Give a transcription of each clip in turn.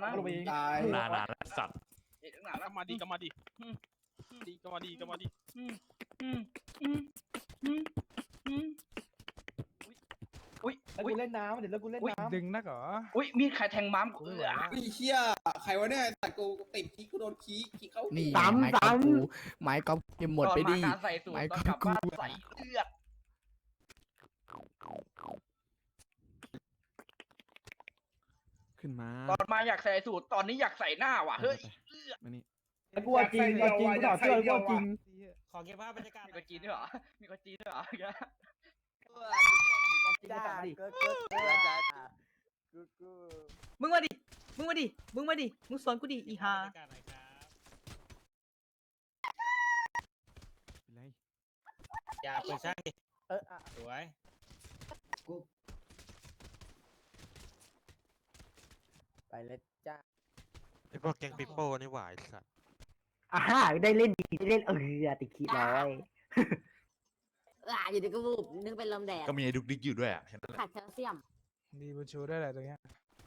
นะตายนานสัตว์ก็มาดีก็มาดีก็มาดีก็มาดีอุ้ยแล้วกูเล่นน้ำเดี๋ยวแล้วกูเล่นน้ำดึงนักเหรออุ้ยมีดใครแทงม้ามกูไอ้เชี่ยใครวะเนี่ยแต่กูติดขี้กูโดนขี้เข้านี่ซ้ำไม้กอล์ฟกูไม้กอล์ฟเกมหมดไปดิใส่สูตรตอนกลับบ้านใส่เลือดขึ้นมาตอนมาอยากใส่สูตรตอนนี้อยากใส่หน้าว่ะเฮ้ยมานี่แล้วกูจริงกูถอดเสื้อกูจริงขอเก็บภาพบรรยากาศมีคนจีนด้วยเหรอมีคนจีนด้วยเหรอจ้าดิมึงมาดิมึงสอนกูดิอีฮาเป็นไรอย่าเปิดช่างดิสวยไปเลยจ้าไอพวกแก๊งปิโป้นี่หวายสัตว์ได้เล่นดีได้เล่นติดขี้ร้อยอยู่ดีก็วูบนึกเป็นลมแดดก็มีไอ้ดุกดิกอยู่ด้วยอ่ะเห็นไหมขาดแคลเซียมดีบุญชูได้แหละตรงเนี้ย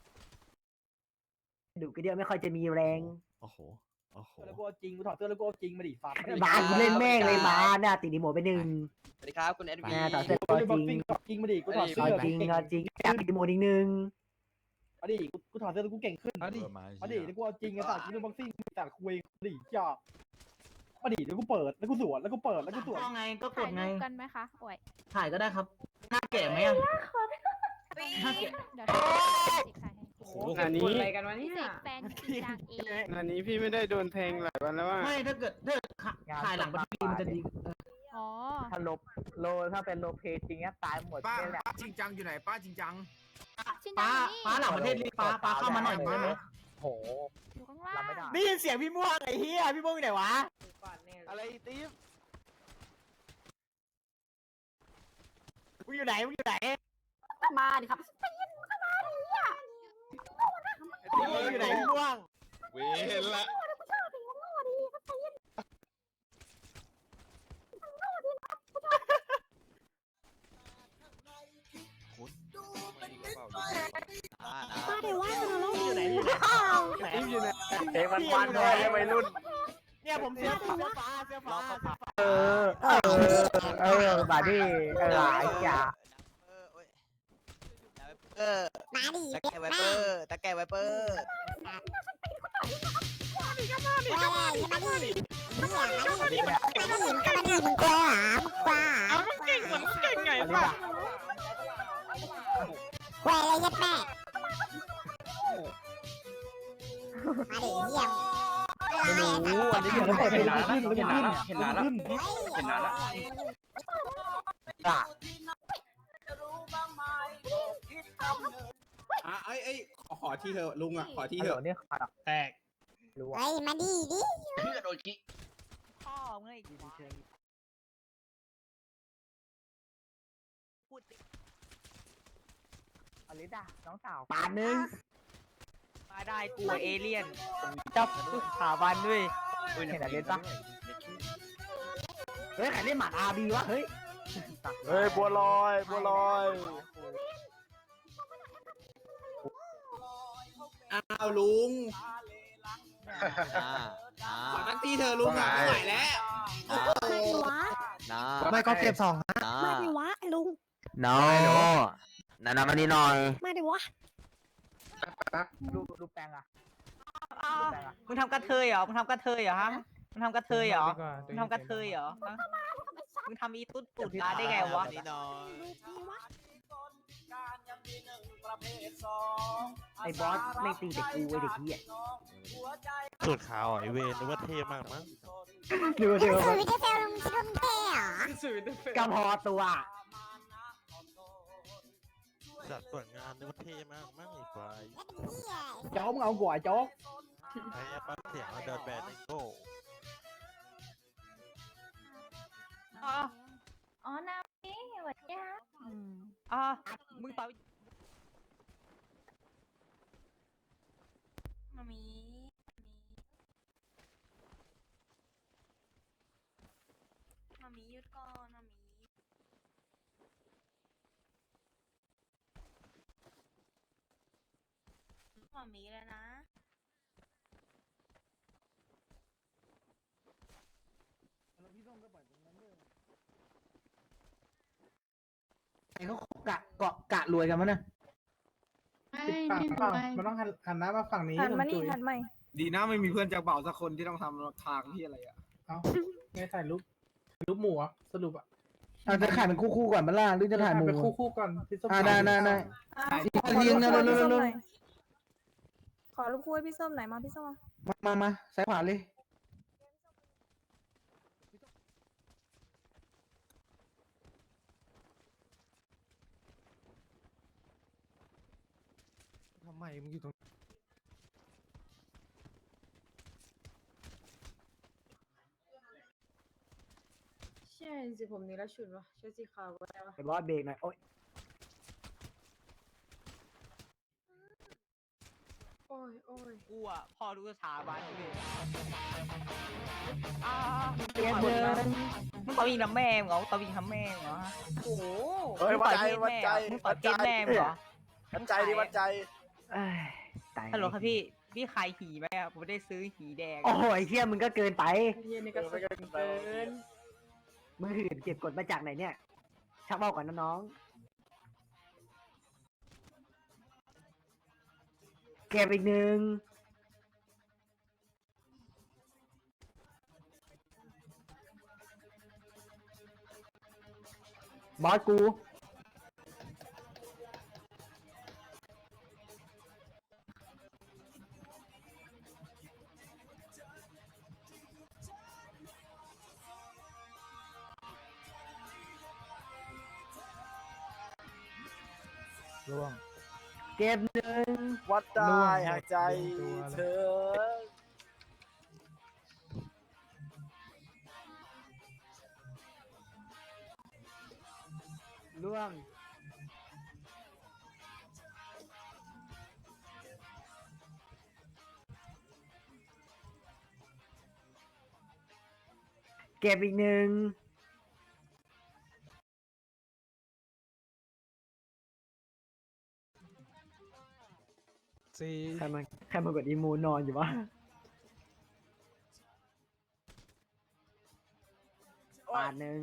ดูกระเดียวไม่ค่อยจะมีแรงโอ้โหโอ้โหแล้วกูจริงกูถอดเสื้อแล้วกูจริงมาดิฟ้าบ้านกูเล่นแม่งเลยมาเนี่ยติดดีหมดไปหนึ่งสวัสดีครับคุณเอ็ดวีถอดเสื้อจริงมาดิกูถอดเสื้อจริงอยากติดดีหมดอีกหนึ่งมาดิกูถอดเสื้อแล้วกูเก่งขึ้นเอาดิมาดิแล้วกูจริงไอ้สัตว์กูเป็นบ็อกซิ่งแต่คุยมาดิจ้ามาดิแล้วกูเปิดแล้วกูสวนแล้วกูเปิดแล้วกูสวนไงก็กดไงกันไหมคะโอ้ยถ่ายก็ได้ครับหน้าแก่ไหมอ่ะเดี๋ยวถ่ายให้โอ้โหอันนี้อะไรกันวะพี่เนี่ยเสกแฟนจริงจังเองอันนี้พี่ไม่ได้โดนแทงหลายวันแล้วว่าไม่ถ้าเกิดถ่ายหลังบัตรมันจะดีอ๋อถ้าถ้าเป็นโลเพจริงเนี้ยตายหมดป้าแหละจริงจังอยู่ไหนป้าจริงจังชินป้าจังนี่หลังประเทศรีป้าเข้ามาหน่อยได้ไหมโหอยู่ข้างล่างรับไม่ได้ได้ยินเสียงพี่ม่วงไอ้เหี้ยพี่ม่วงอยู่ไหนวะอะไรติ๊บมึงอยู่ไหนมาดิครับพี่ม่วงอยู่ไหนพี่ม่วงเวรละมาเดี๋ยวว่าเราอยู่ไหนติ๊บอยู่ไหนเอ้ยมันเลยวัยรุ่นเนี่ยผมเสื้อฟ้าบาดี้หลายอย่ามาดิตะแกไวเปอร์ตะแกไวเปอร์มาดิมาดิมาดิมาดิมึงกลัวเหรอมึงกลัวเอามันเก่งเหมือนเก่งไงวะแหวอะไรยัดแม่มาดิเยี่ยมไม่รู้อันนี้เดี๋ยวเราเปิดเพลงขึ้นแล้วขึ้นเห็นนานแล้วเห็นนานแล้วไอ้ขอที่เธอลุงอ่ะขอที่เธอเนี่ยแตกเฮ้ยมาดิดิเพื่อโดนคิพ่อมึงไอ้พูดอลิดาน้องสาวปานนึงมาได้กูเอเลี่ยนจับสถาบันด้วยเห็นอลิดปะเฮ้ยใครเล่นหมาอาบีวะเฮ้ยเฮ้ยบัวลอยอ้าวลุงขอตั้งที่เธอลุงอ่ะไม่ไหวแล้วมาดิวะไม่ก็เก็บสองมาดิวะลุงน้อยนามานี่หน่อยมาดิวะดูแปลงอ่ะมึงทำกระเทยเหรอมึงทำกระเทยเหรอฮะมึงทำกระเทยเหรอมึงทำกระเทยเหรอมึงทำอีตุ๊ดตุ่นตาได้ไงวะไอ้บอสไม่ตีแต่กูไอ้เด็กเหี้ยสูตรขาวไอเวนนึกว่าเท่มากมั้งดูดูสวิตเซลลุงชิมเท่เหรอกระพอตัวสัตว์ส่วนงานนึกว่าเท่มากมั้งไอ้ควายโจ๊กมึงเอากว่าโจ๊กไอ้ปั๊บเสียงเดินแบนไอโก้อ๋อน้ำนี่หวัดยามึงต่อยมามีหยุดก่อนมามีเลยนะไอ้เขากะรวยกันมั้ยเนี่ยปิดปากเปล่ามันต้องหันหน้ามาฝั่งนี้หันมานี่จุ๋ยหันใหม่ดีนะไม่มีเพื่อนจากเป่าสักคนที่ต้องทำทางที่อะไรอ่ะเอาไงถ่ายรูปหมูอ่ะสรุปอ่ะเราจะถ่ายเป็นคู่ก่อนมั้ยล่ะหรือจะถ่ายหมู่เป็นคู่กันพี่ส้มได้ขอรูปคู่ให้พี่ส้มหน่อยขอรูปคู่ให้พี่ส้มหน่อยมาพี่ส้มมาซ้ายขวาเลยทำไมมึงอยู่ตรงใช่สิผมนี่แล้วชุดวะชุดสีขาวก็ได้วะไอ้บอสเบรกหน่อยโอ๊ยโอ้ยโอ้ยกูอ่ะพ่อรู้สถาบันเลยเปลี่ยนเดินมึงตบยิงทำแม่มึงเหรอตบยิงทำแม่มึงเหรอโอ้โหมึงต่อยวัดใจมึงต่อยเกมแม่มึงเหรอวัดใจดิวัดใจเอ้ยตายฮัลโหลครับพี่ขายหีไหมอ่ะผมไม่ได้ซื้อหีแดงโอ้โหไอ้เชี่ยมึงก็เกินไปเฮียนี่ก็สุดเกินมึงหื่นเก็บกดมาจากไหนเนี่ย ชักเบาก่อนนะน้อง เก็บอีกหนึ่งบอสกูร่วงเก็บหนึ่งวัดได้หายใจเธอล่วง เก็บอีกหนึ่ง ใครมากดอีโมนอนอยู่วะ บาทหนึ่ง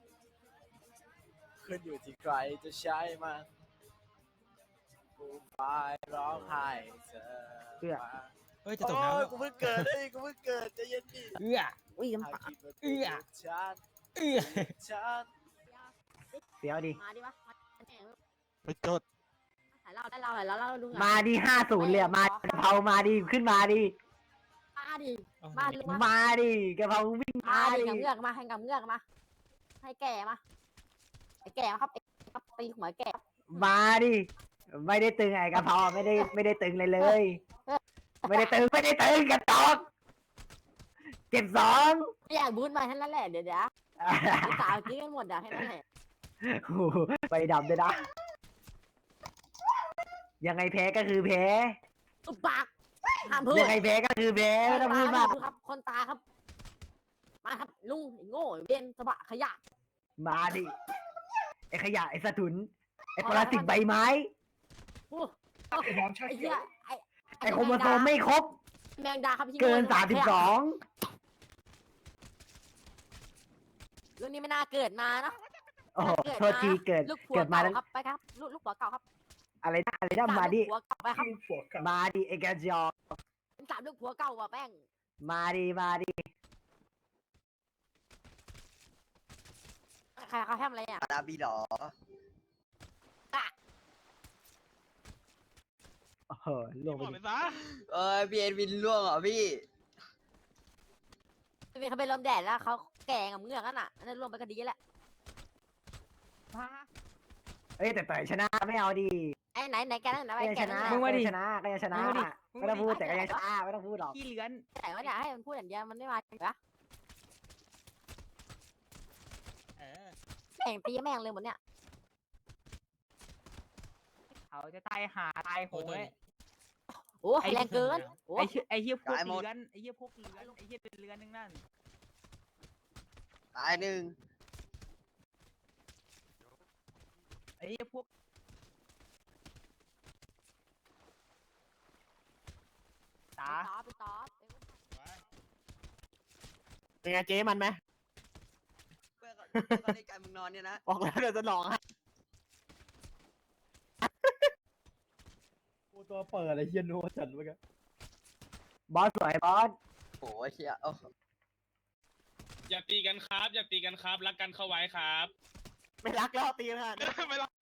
ขึ้นอยู่ที่ใครจะใช้มันกูไปร้องไห้เธอเพื่อเฮ้ยจะตกน้ำแล้วกูเพิ่งเกิดกูเพิ่งเกิดใจเย็นดิอุ้ยหาคิดว่ากูฉันฉันเสียวดิมาดิวะไปจดถ่ายเล่าได้เล่าหน่อยแล้วเล่าดูมาดิ50เลยอะมากะเพรามาดิขึ้นมาดิมาดิมาดิมาดิกะเพราวิ่งมามาดิดิกับเงือกมาให้กับเงือกมาให้แก่มาไอ้แก่มาครับไอ้ครับตีหัวแก่มาดิไม่ได้ตึงไอ้กะเพราไม่ได้ตึงเลย ไม่ได้ตึงกระตอกเก็บสองไม่อยากบูทมาแค่นั้นแหละเดี๋ยวสาวกินกันหมดอ่ะแค่นั้นแหละโอ้โหไปดำด้วยนะยังไงแพ้ก็คือแพ้ตุบปากห้ามพูดยังไงแพ้ก็คือแพ้ไม่ต้องพูดมากครับคนตาครับมาครับลุงไอ้โง่ไอ้เบนสะบะขยะมาดิไอ้ขยะไอ้สะทุนไอ้ปรสิตใบไม้โอ้ไอ้น้องชาไอ้เขีเหี้ยยวไอ้โครโมโซมไม่ครบแมงดาครับพี่เกินขยะ 32 เรื่องนี้ไม่น่าเกิดมาเนาะโอ้โหโทษทีเกิดลูกผัวเกิดมาเก่าแล้วครับไปครับลูกผัวเก่าครับอะไรนะมาดิลูกผัวเก่าไปครับลูกผัวกันมาดิไอ้กระจอกสามลูกผัวเก่าว่ะแป้งมาดิใครเขาทำอะไรอ่ะดาบีหรอโอ้โหลงไปบอกดิไปซะพี่เอ็นวินล่วงเหรอพี่เป็นเขาเป็นลมแดดแล้วเขาแก่กับเงือกนั่นน่ะนั่นรวมไปก็ดีแหละเอ้ยแต่ต่อยชนะไม่เอาดิไอ้ไหนแกนั่นนะก็ไอ้ยังแกชนะนั่นมึงมาดิก็ยังชนะไม่ต้องพูดแต่ก็ยังชนะไม่ต้องพูดหรอกขี้เลื้อนแต่ว่าอยากให้มันพูดอย่างเดียวมันไม่มาจริงปะเออแม่งตีแม่งเลยหมดเนี่ยเขาจะตายหาตายโหงเลยโอ้แรงเกินโอ้ไอ้เหี้ยพวกตายหมดเลื้อนไอ้เหี้ยพวกเลื้อนไอ้เหี้ยเป็นเลื้อนนึงนั่นตายหนึ่งไอ้เหี้ยพวกตาไปตอบเป็นไงเจ๊มันไหมตอนนี้การมึงนอนเนี่ยนะบอกแล้วเดี๋ยวจะหลอกให้กูตัวเปิดอะไรเฮียโนจัดเมื่อกี้บอสสวยบอสโอ้ยเฮียอย่าตีกันครับ อย่าตีกันครับ รักกันเข้าไว้ครับไม่รักแล้วตีกันไม่รัก